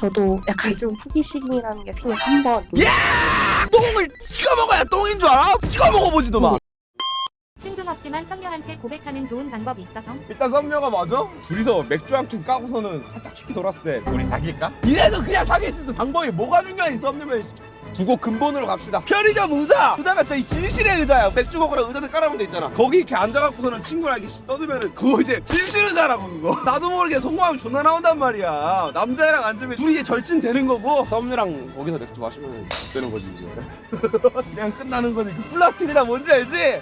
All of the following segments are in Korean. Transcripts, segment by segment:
저도 약간 좀 호기심이라는 게 생겨 한 번. 똥을 찍어 먹어야 똥인 줄 알아? 찍어 먹어보지도 마. 뜬금없지만 썸녀한테 고백하는 좋은 방법 있어 성? 일단 썸녀가 맞아? 둘이서 맥주 한 캔 까고서는 살짝 치키 돌았을 때 우리 사귈까? 이래도 그냥 사귈 수 있는 방법이 뭐가 중요하니 썸녀면. 두고 근본으로 갑시다. 편의점 의자가 진짜 이 진실의 의자야. 맥주 먹으러 의자들 깔아놓은 데 있잖아. 거기 이렇게 앉아갖고서는 친구랑 이렇게 떠들면은 그거 이제 진실 의자라고 그거. 나도 모르게 속마음이 존나 나온단 말이야. 남자애랑 앉으면 둘이 이제 절친 되는 거고 썸녀랑 거기서 맥주 마시면 되는 거지 이제. 그냥 끝나는 거지. 그 플라스틱 의자 뭔지 알지?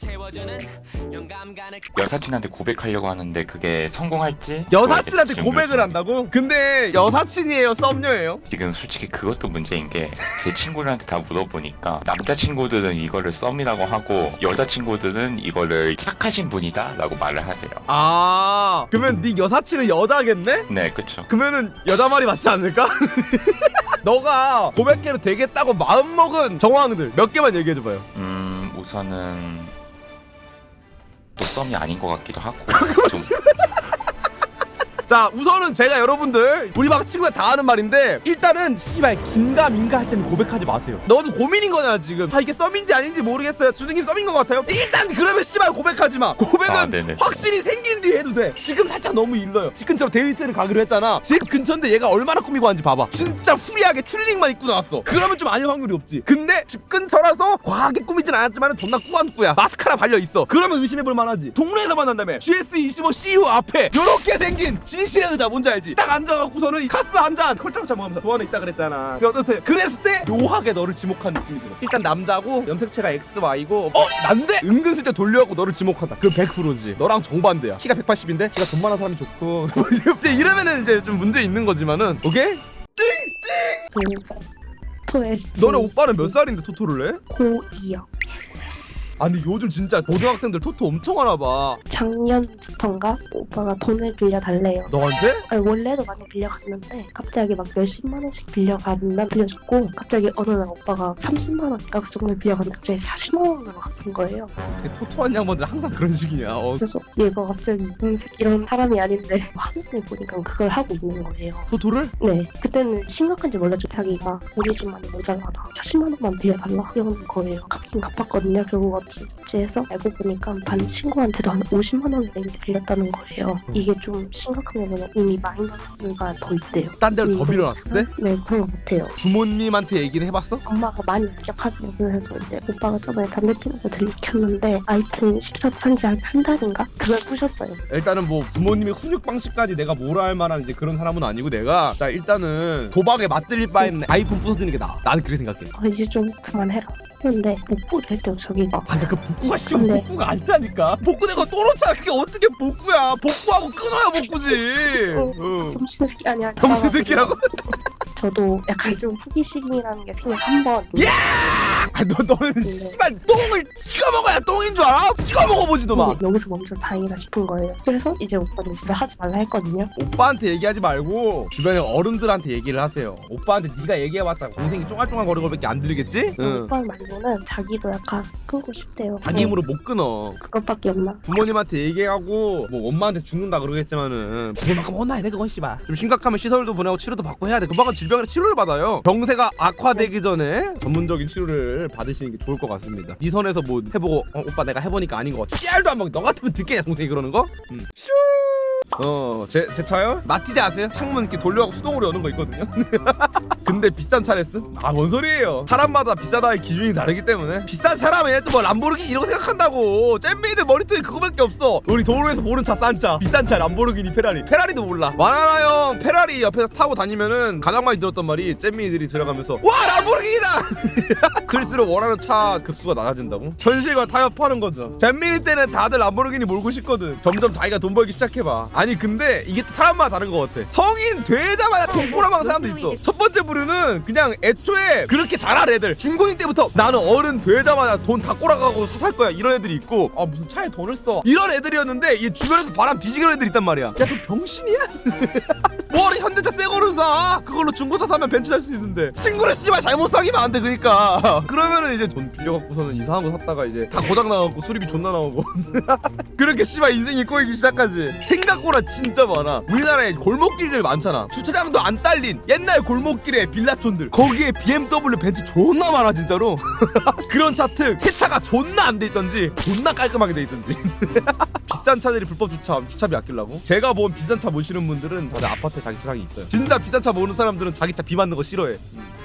여사친한테 고백하려고 하는데 그게 성공할지 여사친한테 모르겠지, 고백을 지금. 한다고? 근데 여사친이에요 썸녀예요? 지금 솔직히 그것도 문제인 게 제 친구들한테 다 물어보니까 남자친구들은 이거를 썸이라고 하고 여자친구들은 이거를 착하신 분이다 라고 말을 하세요. 아 그러면 네 여사친은 여자겠네? 네 그쵸. 그러면은 여자 말이 맞지 않을까? 너가 고백해도 되겠다고 마음먹은 정황들 몇 개만 얘기해줘봐요. 우선은 또 썸이 아닌 것 같기도 하고 좀 자 우선은 제가 여러분들 우리 막 친구가 다 하는 말인데 일단은 씨발 긴가민가 할 때는 고백하지 마세요. 너도 고민인 거냐 지금. 아 이게 썸인지 아닌지 모르겠어요. 주둥님 썸인 것 같아요. 일단 그러면 씨발 고백하지 마. 고백은 네네. 확실히 생긴 뒤에 해도 돼. 지금 살짝 너무 일러요. 집 근처로 데이트를 가기로 했잖아. 집 근처인데 얘가 얼마나 꾸미고 왔는지 봐봐. 진짜 후리하게 추리닝만 입고 나왔어. 그러면 좀 아닐 확률이 없지. 근데 집 근처라서 과하게 꾸미진 않았지만 존나 꾸안꾸야. 마스카라 발려있어. 그러면 의심해볼 만하지. 동네에서 만난다며. GS25 CU 앞에 요렇게 생긴 진실의 의자 뭔지 알지? 딱 앉아갖고서는 카스 한잔 콜짝콜짝 먹으면서 도안에 있다 그랬잖아. 어떠세요? 그랬을 때 묘하게 너를 지목한 느낌이 들어. 일단 남자고 염색체가 XY고 난데? 은근슬쩍 돌려갖고 너를 지목한다. 그럼 100%지. 너랑 정반대야. 키가 180인데 키가 돈 많은 사람이 좋고 이제 이러면은 이제 좀 문제 있는 거지만은 오케이? 토에 너네 오빠는 몇 살인데 토토를 해? 고2요. 아니 요즘 진짜 고등학생들 토토 엄청 하나 봐. 작년부터인가 오빠가 돈을 빌려달래요. 너한테? 아니, 원래도 많이 빌려갔는데 갑자기 막 몇십만 원씩 빌려가면 빌려줬고 갑자기 어느 날 오빠가 30만 원인가 그 정도 빌려갔는데 갑자기 40만 원으로 갚은 거예요. 토토한 양반들 항상 그런 식이냐. 그래서 얘가 갑자기 이런 사람이 아닌데 화면을 보니까 그걸 하고 있는 거예요. 토토를? 네, 그때는 심각한지 몰랐죠. 자기가 돈이 좀 많이 모자라다 40만 원만 빌려달라 이러는 거예요. 갚긴 갚았거든요. 결국 어찌 해서 알고 보니까 반 친구한테도 한 50만 원을 빌렸다는 거예요. 그게 좀 심각한 게 뭐냐, 이미 마이너스가 더 있대요. 딴 데로 더 빌려놨을 때? 네, 그런 거 못해요. 부모님한테 얘기를 해봤어? 엄마가 많이 기억하세요. 그래서 이제 오빠가 저번에 담배 피는 거 들이켰는데 아이폰 14 산지 한 달인가? 그걸 부셨어요. 일단은 뭐 부모님의 훈육 방식까지 내가 뭐라 할 만한 이제 그런 사람은 아니고 내가 자 일단은 도박에 맞들릴 바에는 아이폰 부서지는 게 나아. 나는 그렇게 생각해. 이제 좀 그만해라. 근데 복구를 했대요 자기가. 아 그러니까 그 복구가 씨발 근데- 복구가 아니라니까. 복구 내가 또 놓잖아. 그게 어떻게 복구야. 복구하고 끊어야 복구지. 응. 정신 새끼 아니야. 정신 새끼라고? 저도 약간 좀 호기심이라는 게 생겨 한 번. 너는 씨발 똥을 찍어 먹어야 똥인 줄 알아? 찍어 먹어보지도 마. 여기서 멈춰 다행이다 싶은 거예요. 그래서 이제 오빠는 진짜 하지 말라 했거든요. 오빠한테 얘기하지 말고 주변에 어른들한테 얘기를 하세요. 오빠한테 네가 얘기해봤자 동생이 쫑알쫑알 거리고밖에 안 들리겠지? 응. 오빠 말고는 자기도 약간 끊고 싶대요. 자기 힘으로 못 끊어. 그것밖에 없나? 부모님한테 얘기하고 뭐 엄마한테 죽는다 그러겠지만은 부모만큼 혼나야 돼 그건 씨발. 좀 심각하면 시설도 보내고 치료도 받고 해야 돼. 금방은 질병이라 치료를 받아요. 병세가 악화되기 전에 전문적인 치료를 받으시는 게 좋을 것 같습니다. 네 선에서 뭐 해보고 오빠 내가 해보니까 아닌 거 씨알도 안 먹. 너 같으면 듣겠냐 동생이 그러는 거? 제 차요? 마티즈 아세요? 창문 이렇게 돌려갖고 수동으로 여는 거 있거든요. 근데 비싼 차랬음? 아 뭔 소리예요. 사람마다 비싸다의 기준이 다르기 때문에 비싼 차라면 또 뭐 람보르기니 이런 거 생각한다고. 잼미들 머리통에 그거밖에 없어. 우리 도로에서 보는 차 싼 차 비싼 차 람보르기니 페라리도 몰라. 와나나 형 페라리 옆에서 타고 다니면은 가장 많이 들었던 말이 잼미들이 들어가면서 와 람보르기니다. 클수록 원하는 차 급수가 낮아진다고? 현실과 타협하는 거죠. 잼미니 때는 다들 람보르기니 몰고 싶거든. 점점 자기가 돈 벌기 시작해봐. 아니 근데 이게 또 사람마다 다른 것 같아. 성인 되자마자 돈 꼬라박는 사람도 있어. 첫 번째 부류는 그냥 애초에 그렇게 잘할 애들. 중고딩 때부터 나는 어른 되자마자 돈 다 꼬라가고 차 살 거야 이런 애들이 있고, 아 무슨 차에 돈을 써 이런 애들이었는데 이 주변에서 바람 뒤지는 애들이 있단 말이야. 야 너 병신이야? 뭐하러 현대차 새 거를 사? 그걸로 중고차 사면 벤츠 살 수 있는데 친구를 씨발 잘못 사기면 안 돼. 그니까 그러면은 이제 돈 빌려갖고서는 이상한 거 샀다가 이제 다 고장 나갖고 수리비 존나 나오고 그렇게 씨발 인생이 꼬이기 시작하지. 생각보다 진짜 많아. 우리나라에 골목길들 많잖아. 주차장도 안 딸린 옛날 골목길에 빌라촌들, 거기에 BMW 벤츠 존나 많아 진짜로. 그런 차트 세차가 존나 안 돼 있던지 존나 깔끔하게 돼 있던지. 비싼 차들이 불법 주차하면 주차비 아끼려고. 제가 본 비싼 차 모시는 분들은 다들 아파트에 자기 차량이 있어요. 진짜 비싼 차 모는 사람들은 자기 차 비 맞는 거 싫어해.